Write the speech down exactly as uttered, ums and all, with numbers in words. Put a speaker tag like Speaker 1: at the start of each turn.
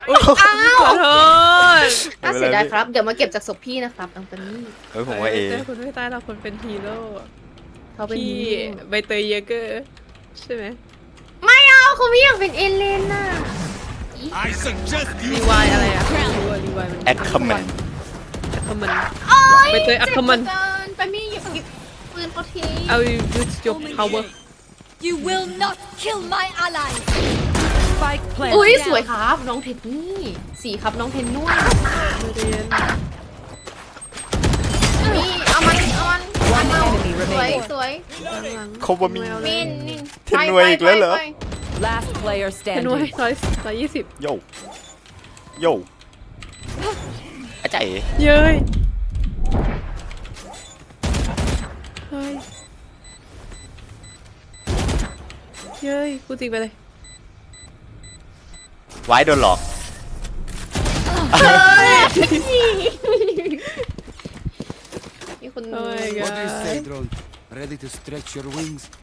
Speaker 1: อ้าวขอโทษ
Speaker 2: น่าเสียดายครับ เดี๋ยวมาเก็บจากศพพี่นะครับอังปานี่
Speaker 3: เฮ้ยผมว่าเอ
Speaker 1: เจอคุณไม่ตายเราคนเป็นฮีโร่
Speaker 2: เขาเป็น
Speaker 1: พี่
Speaker 2: ฮีโร่
Speaker 1: ใบเตยเยเกอร์ใช่ไหม
Speaker 2: ไม่เอาเขาไม่อยากเป็นเอเลนน่ะ
Speaker 4: I suggest
Speaker 1: รี
Speaker 4: you
Speaker 1: วายอะไรอะไม่รู้อะรีวายมัน
Speaker 3: แอคคอมเมน
Speaker 1: แอคคอมเมน
Speaker 2: โอ๊ย
Speaker 1: ใบเตยอัคคมัน
Speaker 2: เจ็บเหลือเกินไปมี่หยิบหยิบปืนเขาที
Speaker 1: เอา use your power
Speaker 5: You will not kill my ally. Spike
Speaker 2: อุ้ย
Speaker 5: planted.
Speaker 2: สวยครับ น้องเทนนี่สีครับน้องเทนนุ่น
Speaker 1: ไม่เรียน
Speaker 2: นี่เอามันเอามันเอามัน
Speaker 5: enemy
Speaker 2: สวย
Speaker 5: remaining.
Speaker 2: สวย
Speaker 1: หลัง
Speaker 3: เขาว่ามี
Speaker 2: มินมิน
Speaker 3: เทนนวยอีกแล้วเหรอ
Speaker 2: ไปไปไป
Speaker 5: Last player
Speaker 1: เป็นหน่วย
Speaker 5: standing.
Speaker 1: ร้อยร้อยยี่สิบ
Speaker 3: โยโยอาจารย์เอ๋
Speaker 1: เย้ยเฮ้ยเย้ยกูจริงไปเลย
Speaker 3: ไว้โดนหลอก
Speaker 2: มีคน
Speaker 1: โอ้ย
Speaker 4: What do you say,
Speaker 1: god
Speaker 4: drone? Ready to stretch your wings?